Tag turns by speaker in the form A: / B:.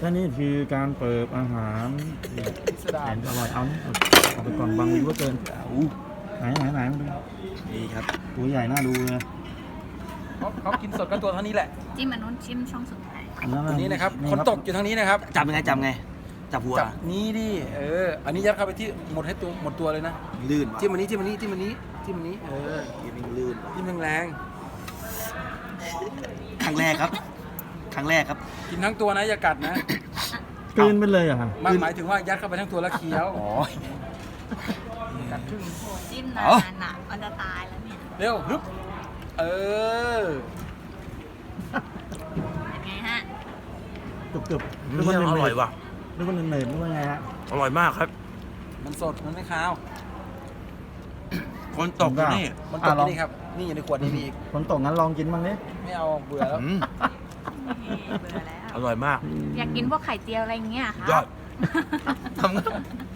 A: และนี่คือการเปิดอาหาร
B: สดา
A: แสนอร่อยเอาไปก่อนบางวิวก็เกินไหนมาดู
C: นี่ครับ
A: ตัวใหญ่น่าดูเลย
B: เขากินสดก็ตัวเท่านี้แหละ
D: จิ้มอันนู้นชิมช่องสุดท้าย
B: ตัวนี้นะครับคนตกอยู่ทางนี้นะครับ
C: จับยังไงจับไง จับหัว
B: จับนี้ดิอันนี้ยัดเข้าไปที่หมดตัวเลยนะ
C: ลื่น
B: จิ้มอันนี้จิ้มอันนี้จิ้มอันนี้จิ้มอันนี้
C: ยิ่งลื่น
B: จิ้มแรง
C: ครั้งแรกครับ ครั้งแรกครับ
B: ๆกินทั้งตัวนะอย่ากัดนะ
A: กลืนไปเลยเหรอะค่ะ
B: มันหมายถึงว่ายัดเข้าไปทั้งตัวแล้วเคี้ยว
C: อ๋อ
B: กัดครึ่ง
D: โหจิ้มนา
C: เอา
D: นอ่ะมันจะตายแล้วเนี่ย
B: เร็วฮึบ
D: ยังไงฮะ
A: กรึบๆนึกว่า
C: อร่อยว่ะ
A: นึกว่าเนยๆนึกว่าไงฮะ
C: อร่อยมากครับ
B: มันสดมันไม่คาว
C: คนตกอยู่นี่
B: มันตกที่นี่ครับนี่อยู่ในขวดนี้มีอีก
A: คนตกงั้นลองกินบ้างดิ
B: ไม่เอาเบื่อแล้ว
C: อืม
D: เบื่อแล้ว
C: อร่อยมาก
D: อยากกินพวกไข่เจียวอะไรอย่างเงี้ยค่ะ
C: ยอดทำไง